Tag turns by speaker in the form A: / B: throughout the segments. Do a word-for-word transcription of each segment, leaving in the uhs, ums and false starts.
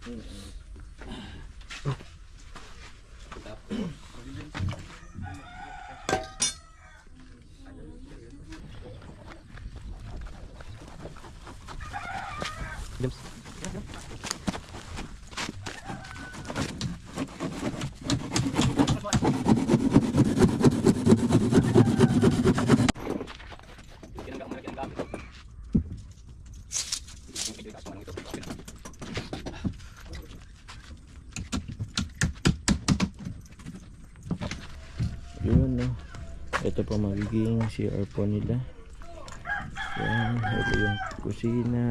A: Yun, no. Ito pa magiging C R po nila. Yan, ito yung kusina.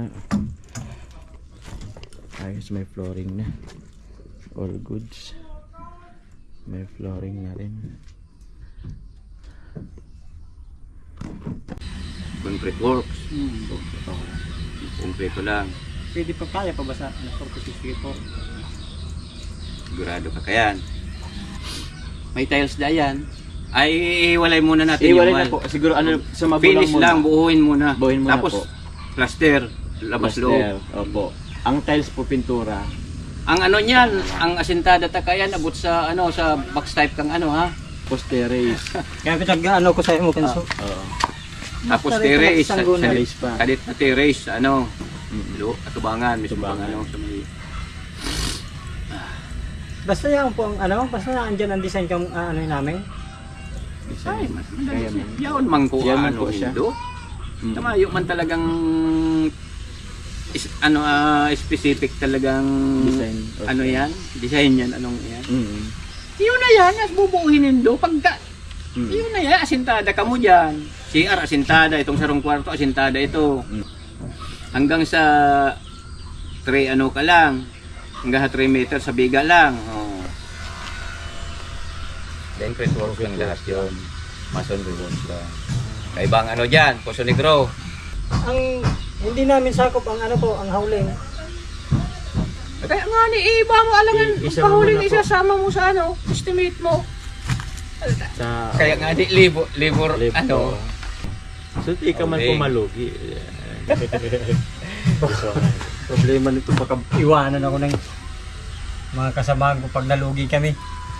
A: Ayos, may flooring na. All goods. May flooring na rin.
B: Concrete works.
C: Hmm.
B: Concrete lang.
C: Pwede pa kaya pa ba sa forty-six po?
B: Sigurado ka kayan. May tiles na yan. Ay, iwalay muna natin
A: Iwalay
B: yung
A: na po. Siguro ano, sa magulang
B: finish
A: muna.
B: lang, buuin muna.
A: Buuin muna
B: Tapos,
A: po.
B: plaster, labas loob.
A: Plaster, opo. Ang tiles po pintura.
B: Ang ano niyan, ang asintada takayan, abot sa ano sa box type kang ano ha.
A: Posteres.
C: Kaya pinag ano ko sa mo kanso.
A: Oo.
B: Tapos
C: Tarito
B: terrace,
C: na isang
A: Terrace pa.
B: kadit na terrace, ano,
A: Mm.
B: lo, atubangan, may
A: Atubangan.
B: atubangan ano, sa may
C: Basta yan po ang ano, basta andyan ang design kang uh, ano yun namin.
B: Ay, mas
A: Kaya
B: madali.
A: man.
B: Yaon man ko
A: Yaon man
B: ano
A: po siya.
B: Indo.
A: Mm.
B: Tama, yung man talagang is, ano ah, specific talagang
A: Design.
B: ano yan, design yan, anong yan.
A: Mm.
B: Yun na yan, at bubuuhin nindo pagka
A: Mm.
B: yun na yan, asintada ka mo dyan. C R asintada, itong sarong kwarto asintada ito.
A: Mm.
B: Hanggang sa three ano ka lang, hanggang sa three meter sa biga lang. Oh. Then concrete work lang lahat yun. Masonry works lang. Kaibang ano dyan, Poso Negro.
C: Ang hindi namin sakop ang ano po, ang howling.
B: Kaya nga ni iba mo alangan,
A: I- isa mo
B: pahuling
A: muna po.
B: isasama mo sa ano, estimate mo.
A: Sa
B: Kaya nga di libo, libor,
A: Libo.
B: ano.
A: So, di ka man
B: Okay.
A: pumalugi.
C: Problema nito baka iwanan ako ng mga kasamahan ko pag nalugi kami.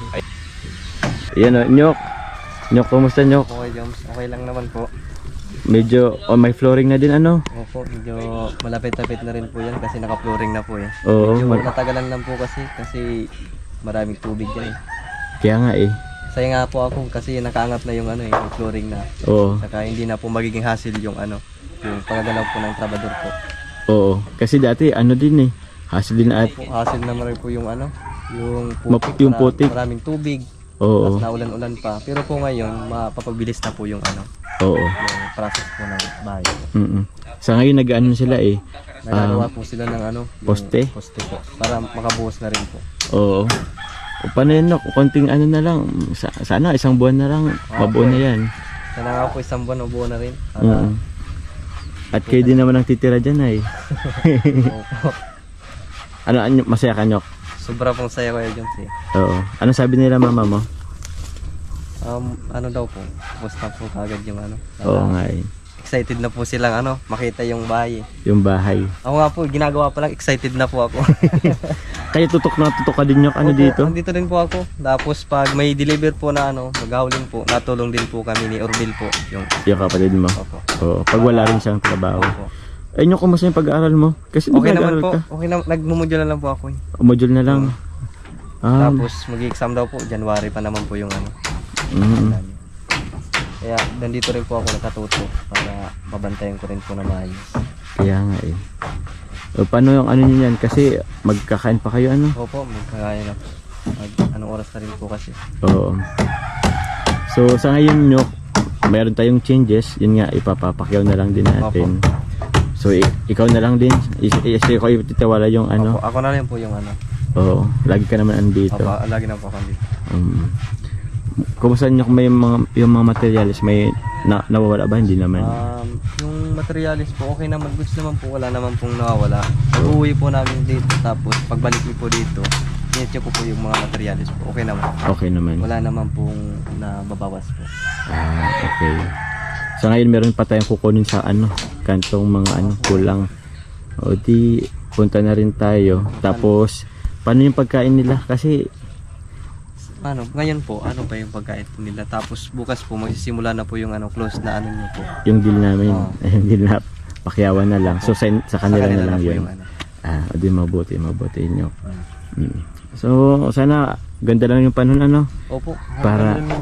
A: Yan o, Nyok. Nyok, kumusta Nyok?
D: Okay, Joms. Okay lang naman po.
A: Medyo, oh, may flooring na din ano?
D: Opo, medyo malapit-lapit na rin po yan kasi naka-flooring na po eh.
A: Oo,
D: Medyo
A: mal-
D: natagalan lang po kasi kasi maraming tubig dyan eh.
A: kaya nga eh.
D: Saya nga po ako kasi nakaangat na yung ano eh, yung flooring na.
A: Oo,
D: Saka hindi na po magiging hassle yung ano, yung pagagalaw po ng trabador po.
A: oo. Kasi dati, ano din eh. Hassle din at,
D: Po, hassle naman rin po yung ano, yung
A: Map-
D: putik,
A: yung
D: mara-
A: putik.
D: maraming tubig.
A: oo,
D: Tapos naulan-ulan pa. Pero po ngayon, mapapabilis na po yung ano,
A: oo.
D: yung process po ng bahay.
A: Mm-mm. Sa ngayon, nag-ano sila eh.
D: Nagagawa po sila ng ano, yung
A: poste?
D: poste po. Para makabuhos na rin po.
A: Oo. O paano yun, Nok? Konting ano na lang. Sa, sana, isang buwan na lang. Mabuo na yan.
D: Sana nga po isang buwan, ubuo na rin. Para,
A: Oo. At kayo din naman ang titira dyan ay.
D: Opo.
A: Ano, ano, masaya ka, Nyok?
D: Sobra pong saya Kuya Jones eh.
A: Oo. Ano sabi nila mama mo?
D: Um, ano daw po, basta po kagad yung ano.
A: Oo
D: Ah,
A: nga eh.
D: excited na po silang ano, makita yung bahay eh.
A: Yung bahay.
D: Ako nga po, ginagawa pa lang, excited na po ako.
A: Kaya tutok na tutok ka din, Nyok. Ano
D: Opo,
A: dito?
D: Nandito din po ako. Tapos pag may deliver po na ano, maghahulin po, natulong din po kami ni Orville po. Yung,
A: Yung kapatid mo.
D: opo.
A: Oo. Pag wala rin siyang trabaho.
D: Opo.
A: Ay, Nyok, kumusta yung pag-aaral mo? Kasi di ba
D: Okay naman
A: nag-aaral
D: po,
A: ka?
D: okay na, nagmumudyo na lang po ako eh.
A: Module na lang. Ah,
D: Tapos mag-exam daw po, January pa naman po yung ano.
A: mm,
D: Kaya nandito rin po ako nakatuto para mabantayan ko rin po na maayos.
A: kaya nga eh. O, paano yung ano niyo yan? Kasi magkakain pa kayo ano?
D: Opo, magkakaya na po. Mag, anong oras na rin po kasi.
A: Oo. So sa ngayon, Nyok, mayroon tayong changes. Yun nga, ipapapakyaw na lang din natin. So i- ikaw na lang din. Is- is- ikaw ititawala yung ano.
D: Opo, ako na rin po yung ano.
A: Oo. Lagi ka naman andito.
D: Opo, lagi na po ako dito.
A: Um, kumusta nyo kung may mga, yung mga materials, may na, nawawala ba? Hindi naman.
D: Um, yung materialis po, okay naman. Goods naman po, wala naman pong nawawala. Pag-uwi po namin dito, tapos pagbalik niyo po dito, i-check ko po yung mga materialis po. Okay naman.
A: Okay naman.
D: Wala naman pong nababawas po.
A: Ah, okay. So ngayon meron pa tayong kukunin sa ano, kantong mga ano, kulang. O di, punta na rin tayo. Tapos, paano yung pagkain nila? Kasi,
D: Ano, ngayon po, ano pa yung pagkain po nila. Tapos bukas po, magsisimula na po yung ano, close na ano nyo po.
A: yung deal namin,
D: Oo.
A: yung deal na pakyawan na lang. So, sa, sa kanila na lang
D: po
A: yun.
D: yung ano.
A: Ah, di mabuti, mabuti nyo. Mm. So, sana, ganda lang yung panahon, ano?
D: Opo.
A: Para-